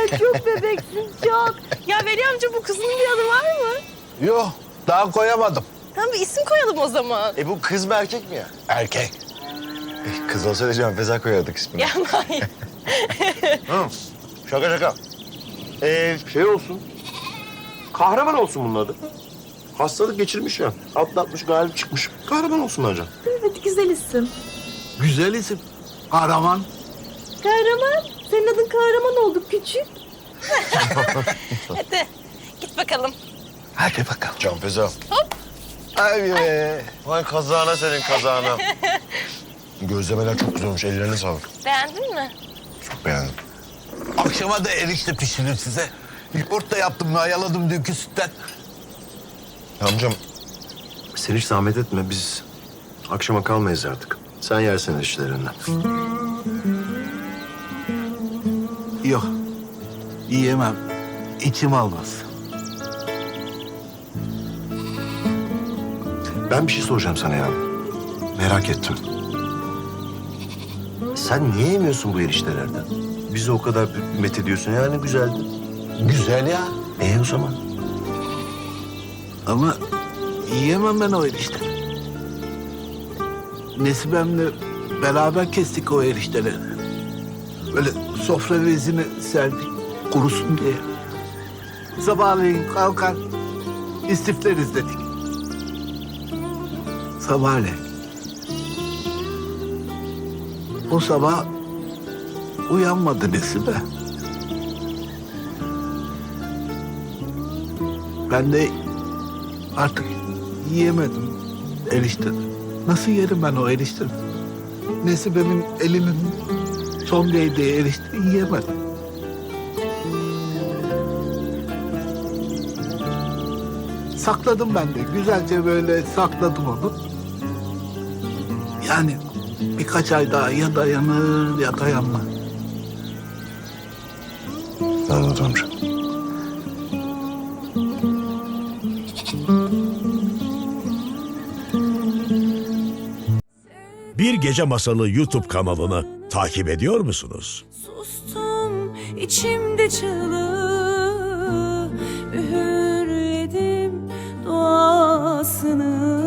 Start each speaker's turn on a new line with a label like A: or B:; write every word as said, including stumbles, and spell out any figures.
A: çok bebeksin çok. Ya Veli amca bu kızının bir adı var mı?
B: Yok, daha koyamadım.
A: Tamam bir isim koyalım o zaman.
C: E bu kız mı erkek mi ya?
B: Erkek.
C: E, kız olsaydı Can Feza koyardık ismini.
A: Ya hayır.
C: Hı, şaka şaka. Ee, şey olsun. Kahraman olsun bunun adı. Hastalık geçirmiş ya. Atlatmış, galip çıkmış. Kahraman olsun bence.
A: Evet güzel isim.
B: Güzel isim. Kahraman.
A: Kahraman. Senin adın kahraman oldu küçük. Hadi git bakalım.
B: Hadi bakalım.
C: Can Feza. Hop. Ay be. Vay kazağına senin kazağına. Gözlemeler çok güzel olmuş. Ellerine sağlık.
A: Beğendin mi?
C: Çok beğendim.
B: Akşama da erişte pişirir size. Yoğurt yaptım, mayaladım dünkü sütten.
C: Ya amcam sen hiç zahmet etme. Biz akşama kalmayız artık. Sen yersin işlerinden.
B: Yok, yiyemem. İçim almaz.
C: Ben bir şey soracağım sana ya. Merak ettim. Sen niye yemiyorsun bu eriştelerden? Bizi o kadar met ediyorsun yani güzeldi.
B: Güzel ya.
C: E o zaman?
B: Ama yiyemem ben o erişteleri. Nesibem'le beraber kestik o erişteleri. Böyle sofra bezini serdik, kurusun diye. Sabahleyin kalkar, istifleriz dedik. Sabahleyin. O sabah uyanmadı Nesibe. Ben de artık yiyemedim erişte. Nasıl yerim ben o erişte? Nesibe'min elinin son değdiği erişte yiyemedim. Sakladım ben de. Güzelce böyle sakladım onu. Yani birkaç ay daha ya dayanır ya dayanmaz.
C: Anladım amca.
D: Bir Gece Masalı YouTube kanalını takip ediyor musunuz?
E: Sustum içimde çığlığı, üğürledim duasını.